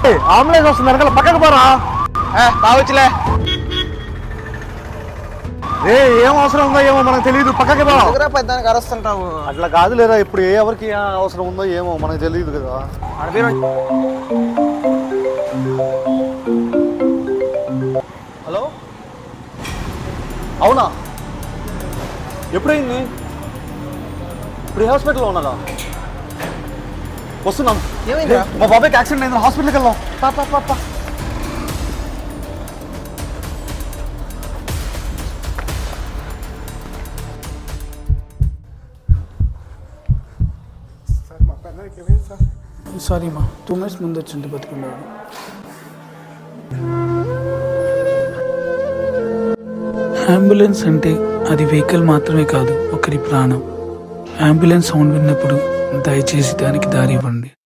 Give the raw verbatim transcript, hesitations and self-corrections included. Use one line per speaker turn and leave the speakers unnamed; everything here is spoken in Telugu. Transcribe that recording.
అంబులెన్స్ వస్తుంది వెనకాల పక్కకు పోరా.
కావచ్చులే.
ఏ ఏం అవసరం ఉందో ఏమో మనకు తెలియదు, పక్కకి పో.
పెద్దానికి అరుస్తుంటావు.
అట్లా కాదు లేదా, ఇప్పుడు ఏ ఎవరికి ఏ అవసరం ఉందో ఏమో మనకు తెలియదు కదా. హలో, అవునా? ఎప్పుడైంది? ఇప్పుడు ఏ హాస్పిటల్లో ఉన్నారా? వస్తున్నాం. మా బాబాయ్కి యాక్సిడెంట్ అయింది, హాస్పిటల్కి వెళ్దాం. పాపా పాపా
సారీ మా, టూ మినిట్స్ ముందు వచ్చింటే బతుకున్నాడు. అంబులెన్స్ అంటే అది వెహికల్ మాత్రమే కాదు, ఒకరి ప్రాణం. అంబులెన్స్ సౌండ్ విన్నప్పుడు దయచేసి దానికి దారి ఇవ్వండి.